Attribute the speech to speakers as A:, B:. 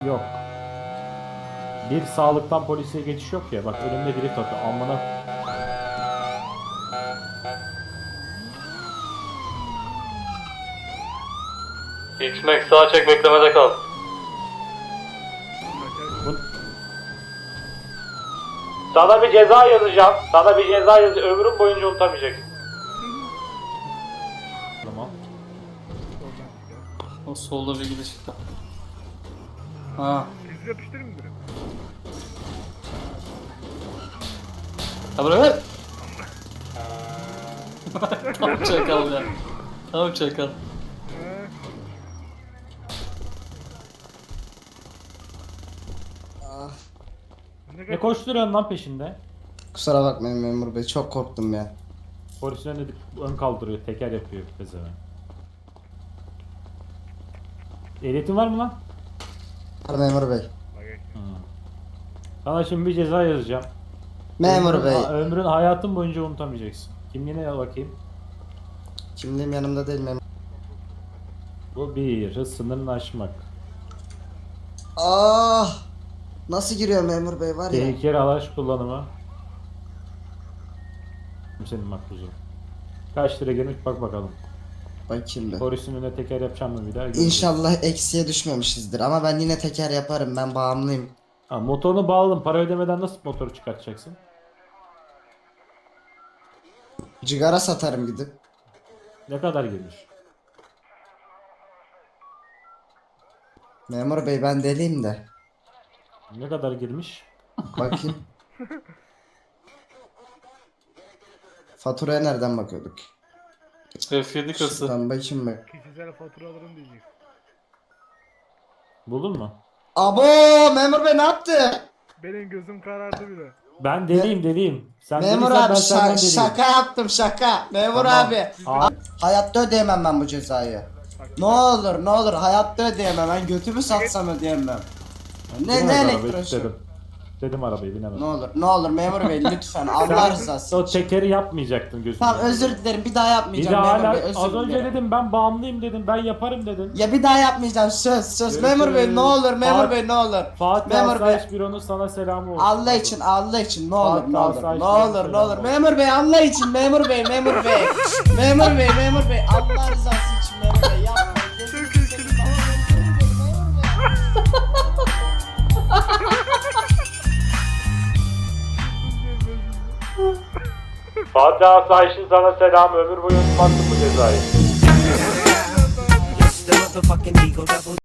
A: Yok. Bir sağlıktan polise geçiş yok ya. Bak önümde biri takıyor. Amına.
B: X-Max sağa çek, beklemede kal.
A: Bu... Sana bir ceza yazacağım. Sana bir ceza yazacağım. Ömrüm boyunca unutamayacaksın. Tamam.
B: O solda bir gidiş çıktı. Ha.
C: Siz yapıştırın mı direkt?
B: Ha bırak. Tam çakal ya. Tam çakal.
A: Ne koşturuyorsun lan peşinde?
D: Kusura bakmayın memur bey, çok korktum ya.
A: Polisin önünde ön kaldırıyor. Teker yapıyor pezevenk. Ehliyetin var mı lan?
D: Memur bey.
A: Sana şimdi bir ceza yazacağım.
D: Memur bey.
A: Ömrün hayatın boyunca unutamayacaksın. Kimliğine bakayım.
D: Kimliğim yanımda değil memur.
A: Bu bir. Hız sınırını aşmak.
D: Ah! Nasıl giriyor memur bey var ya.
A: Tehlikeli araç kullanımı. Senin makbuzun. Kaç lira gelmiş bak bakalım.
D: Bakayım bir.
A: Polisin önüne teker yapacağım mı bir daha?
D: İnşallah eksiye düşmemişizdir ama ben yine teker yaparım, ben bağımlıyım.
A: Ha, motorunu bağladım. Para ödemeden nasıl motoru çıkartacaksın?
D: Cigara satarım gidip.
A: Ne kadar girmiş?
D: Memur bey ben deliyim de.
A: Ne kadar girmiş?
D: Bakayım. Faturaya nereden bakıyorduk?
B: F7 kası.
D: Şuradan bakayım bak.
C: Kişisel faturalarım diyecek.
A: Buldun mu?
D: Abo memur bey ne yaptı?
C: Benim gözüm karardı bile.
A: Ben deliyim. Sen
D: Memur
A: deliysen
D: abi
A: ben senden deliyim.
D: şaka yaptım şaka. Memur
A: Tamam.
D: abi.
A: Abi,
D: Hayatta ödeyemem ben bu cezayı. Ne olur hayatta ödeyemem, ben götümü satsam ödeyemem. Ne
A: binemez arabayı,
D: elektroşu?
A: Dedim arabayı binemem.
D: Ne olur memur bey lütfen Allah rızası
A: O
D: için.
A: tekeri yapmayacaktın gözümden.
D: Tamam özür dilerim, bir daha
A: Bir
D: yapmayacağım
A: daha
D: memur
A: hala
D: bey, özür
A: az önce
D: dilerim.
A: dedim ben bağımlıyım dedim ben yaparım dedim.
D: Ya bir daha yapmayacağım, söz
A: Görüşürüz.
D: memur bey ne olur memur
A: Fatih-
D: bey ne olur.
A: Fatih
D: Memur bey
A: Asayiş Büro'nun sana selamı olsun.
D: Allah için ne olur
A: Fatih
D: ne olur
A: Asayiş
D: ne
A: Büro'nun
D: olur ne
A: selamı
D: olur
A: olsun.
D: memur bey Allah için memur bey memur bey memur bey Allah rızası için memur bey yapmayın. Gözünü seveyim, memur bey.
A: Fatih Asayiş'in sana selamı ömür boyu unutmazsın bu cezayı.